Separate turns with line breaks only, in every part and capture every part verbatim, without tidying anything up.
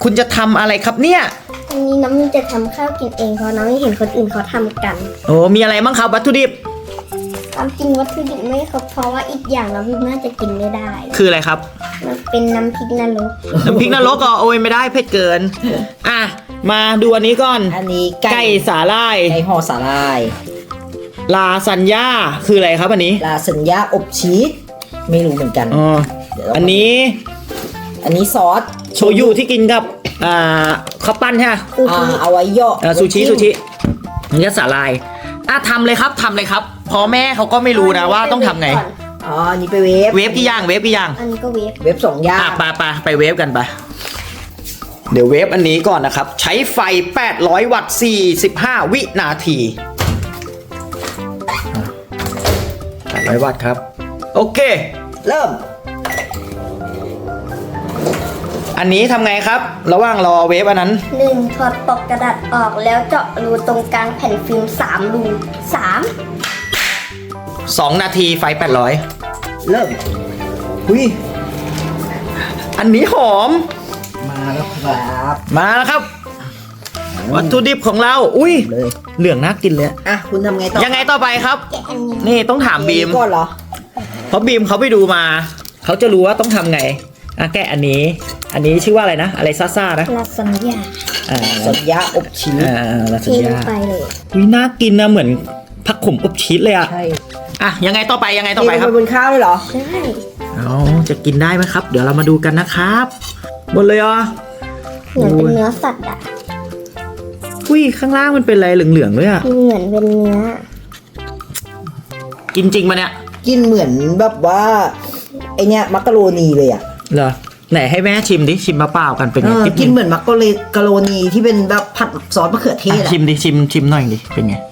คุณจะทำอะไรครับเนี่ย
อันนี้น้องมินจะทำข้าวกินเองเพราะน้องไม่เห็นคนอื่นเขาทำกัน
โอ้มีอะไรบ้างครับวัตถุดิบ
ความจริงวัตถุดิบไม่ครบเพราะว่าอีกอย่างน้องมินน่าจะกินไม่ได้
คืออะไรครับ
มันเป็นน้ำพริกนรก
น้ำพริกนรกก็โอ้ยไม่ได้เผ็ดเกิน อ่ะ มาดูอันนี้ก่อน
อันนี้
ไก่สาลาย
ไก่ห่อสาลาย
ลาซานญ่าคืออะไรครับอันนี้
ลาสัญญาอบชีสไม่รู้เหมือนกัน
อ๋อ
เดี๋ยวเรา
อันนี้
อันนี้ซอส
โชยุที่กินกับอ่าข้าวปั้นใช่ไหม
ซู
อ่า
ชิ
เอาไว้ย่อ
อ่าซูชิซูชิอันนี้สาลายอ่ะทำเลยครับทำเลยครับเพอแม่เขาก็ไม่รู้นะว่าต้องทำไง
อ๋ออันนี้ไปเวฟ
เวฟกี่อย่างเวฟกี่อย่าง
อันนี้ก็เวฟ
เวฟสองอย่าง
อ่ะไปไปไปเวฟกันไปเดี๋ยวเวฟอันนี้ก่อนนะครับ ใช้ไฟแปดร้อยวัตต์สี่สิบห้าวินาทีแปดร้อยวัตต์ครับโอเค
เริ่ม
อันนี้ทำไงครับ ระหว่างรอเวฟอันนั้น
หนึ่งถอดปลอกกระดาษออกแล้วเจาะรูตรงกลางแผ่นฟิล์มสามรูสาม
สองนาทีไฟแปดร้อย
เริ่ม
หุยอันนี้หอม
มาแล้วครับ
มาแล้วครับ วัตถุดิบของเราอุ้ย
เลย
เหลืองน่ากินเลย
อ่ะคุณทำไงต่อ
ยังไงต่อไปครับ
แกะอันนี้
นี่ต้องถามบีม
ก่อนเหรอ
เพราะบีมเขาไปดูมา เขาจะรู้ว่าต้องทำไงอ่ะแกะอันนี้ อันนี้ชื่อว่าอะไรนะ อะไรซ่าๆนะ
ลาซานญ่า
อ่า
สัญญาอบชีส
อ่าลาซาน
เทลง
ญ่า
ไปเลย
วิน่ากินนะเหมือนผักขมอบชีสเลยอ่ะ
ใช่
อ่ะยังไงต่อไปยังไงต่อไปครับ
เทลงบนข้าวเลยเหรอ
ใช่
เอาจะกินได้ไหมครับ เดี๋ยวเรามาดูกันนะครับหมดเลยเหรอ
เหมือนเป็นเนื้อสัตว์อะ
อุ้ยข้างล่างมันเป็นอะไรเหลืองๆด้วยอ่ะ
เหมือนเป็นเนื้อ
กินจริงปะเนี่ย
กินเหมือนแบบว่าไอเนี้ยมักกะโรนีเลยอ่ะ
เหรอไหนให้แม่ชิมดิชิมมาเปล่ากันเป็น
เอ
ไง
อ
จิ๊บ
กินเหมือนมักกะโรนีที่เป็นแบบผัดซอสมะเขือเทศ
อ่ะ
อ่ะ
ชิมดิชิมชิมหน่อยดิเป็นไง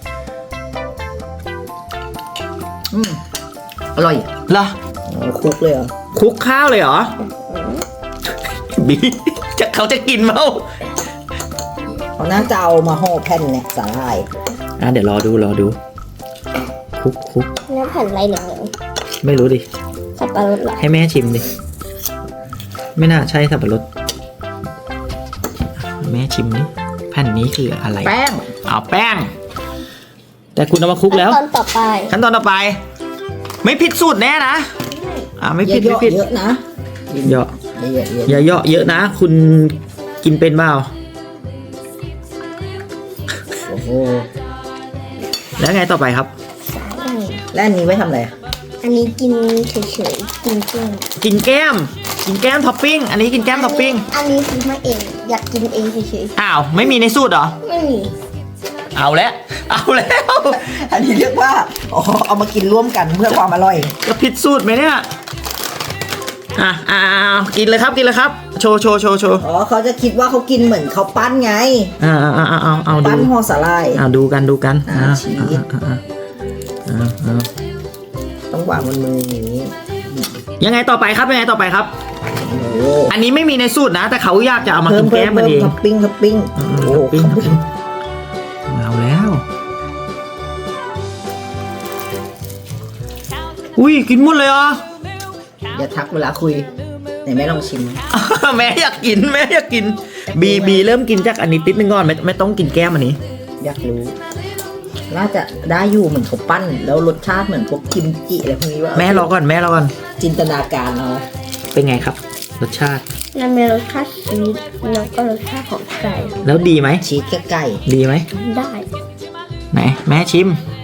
อืมอร่อย
เหรอ
โอ้คลุกเลยเหรอ
คลุกข้าวเลยเหรอบีจะเขาจะกินมั้ง
เขาน่าจะเอามาห่อแผ่นเนี่ยสาหร่าย
อ่ะเดี๋ยวรอดูรอดูคลุกคลุก
เนื้อแผ่นอะไรเหลือง
ไม่รู้ดิ
ๆสับปะรดเหรอ
ให้แม่ชิมดิไม่น่าใช่สับปะรดแม่ชิมดิแผ่นนี้คืออะไร
แป้ง
เอาแป้ง แต่คุณเอามาคลุกแล้ว
ตอนต่อไป
ขั้นตอนต่อไป ไม่ผิดสูตรแน่นะอ่าไม่ผิด
เย
ไม่
อะ
ผิด
ๆเยอะนะ
เยอะ
เยอะๆเยอะ
อย่าเยอะเยอะนะ คุณกินเป็นเปล่า
ๆโอ้โห
แล้วไงต่อไปครับ
สาหร่าย
แล้วอันนี้ไว้ทำอะไรอ่ะ
อันนี้กินเฉยๆกินเกลี้ยง
กินแก้ม กินแก้มท็อปปิ้งอันนี้กินแก้มท็อปปิ้ง
อันนี้ซื้อมาเองอยากกินเองเฉย
อ้าวไม่มีในสูตรเหรอ
ๆไม่มี
เอาแล้วเอาแล้ว
อันนี้เรียกว่าอ๋อเอามากินร่วมกันเพื่อความอร่อย
จะผิดสูตรไหมเนี่ยอ่ะอ่ากินเลยครับกินเลยครับโชว์โชว์โชว์โชว์
อ๋อเขาจะคิดว่าเขากินเหมือนเขาปั้นไง
อ่าอ่าอ่าเอาเอาดู
ปั้นห่อสาหร่าย
อ่าดูกันดูกัน
อ่า
อ่า
ชีส
อ่าอ่าอ่าอ่า
ต้องวางบนมืออย่างนี้
ยังไงต่อไปครับยังไงต่อไปครับ
โอ้โห
อันนี้ไม่มีในสูตรนะ แต่เขาอยากจะเอามา
เพิ่
กิ
ม
น
เพิ่
แก้
ม
มมัน
เพิ่ม
เอง
ท็อปปิ้งท็อปปิ้ง
อืม
โอ้
ท็อปปิ้ง
ท็อปปิ้ง
เอาแล้วอุ้ยกินหมดเลยเหรอ
อย่าทักเวลาคุยไหนแม่ลองชิม
แม่อยากกินแม่อยากกินบีบีเริ่มกินจากอันนี้ติดนึงก่อนไม่ไม่ต้องกินแก้มอันนี้
อยากรู้ น่าจะได้อยู่เหมือนเขาปั้น แล้วรสชาติเหมือนพวกกิมจิอะไรพวกนี้ว่า
แม่รอก่อนแม่รอก่อน
จินตนาการเอา
เป็นไงครับ รสชาติ
มันมีรสชาติชีสแล้วก็รสชาติของไก่
แล้วดีไหม
ชีสกับไก่
ดีไหม
ได้
ไหนแม่ชิม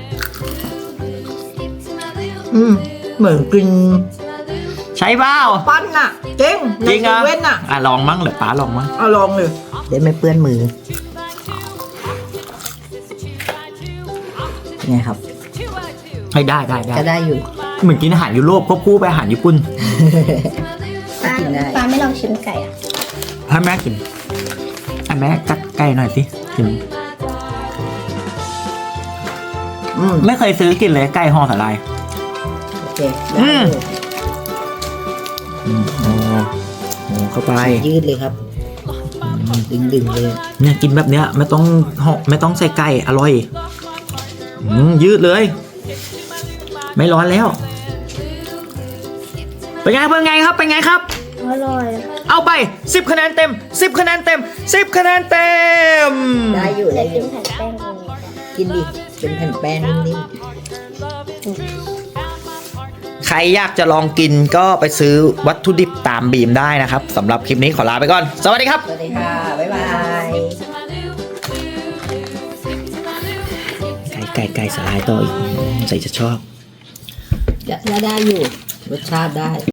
อืมเหมือนกิน
ใช่เปล่า
ปั้นน่ะเจ๊ง
จริง
ใน
อ่ะ
เซเว่นน่ะ
อ่ะลองมั้งเหรือป้าลองมั้ง
เอาลองเลยเดี๋ยวไม่เปื้อนมือไงครับ
ให้ได้ได้ได้
ก็ได้อยู่
เหมือนกินอาหารยุโรปควบคู่ไปอาหารญี่ปุ่น
ป้า
กินได้
ป้าไม่ลองชิมไก่อ่ะ
ให้แม่กินให้แม่กัดไก่หน่อยสิกิน
อืม
ไม่เคยซื้อกินเลยไก่ห่อสาลาย
โอเคได้อยู่
อืมโอ้โหเข้าไป
ยืดเลยครับ ดึงดึงๆเลย
เนี่ยกินแบบเนี้ยไม่ต้องห่อไม่ต้องใส่ไก่อร่อยอืมยืดเลย ไม่ร้อนแล้วเป็นไงเป็นไงครับเป็นไงครับ
อร่อย
เอาไปสิบคะแนนเต็มสิบคะแนนเต็มสิบคะแนนเต็ม
ได้อยู่
เดี๋
ได้
ยว
อ
กิน
ยู่
แผ่นแป้งตรงนี้
กินดิเป็นแผ่นแป้งนิ่ม
ใครอยากจะลองกินก็ไปซื้อวัตถุดิบตามบีมได้นะครับสำหรับคลิปนี้ขอลาไปก่อน สวัสดีครับ
ๆสวัสดีค่ะ บ๊ายบาย
ไก่ไก่ไก่สลายต่ออีกใส่จะชอบ
จะได้อยู่ รสชาติได้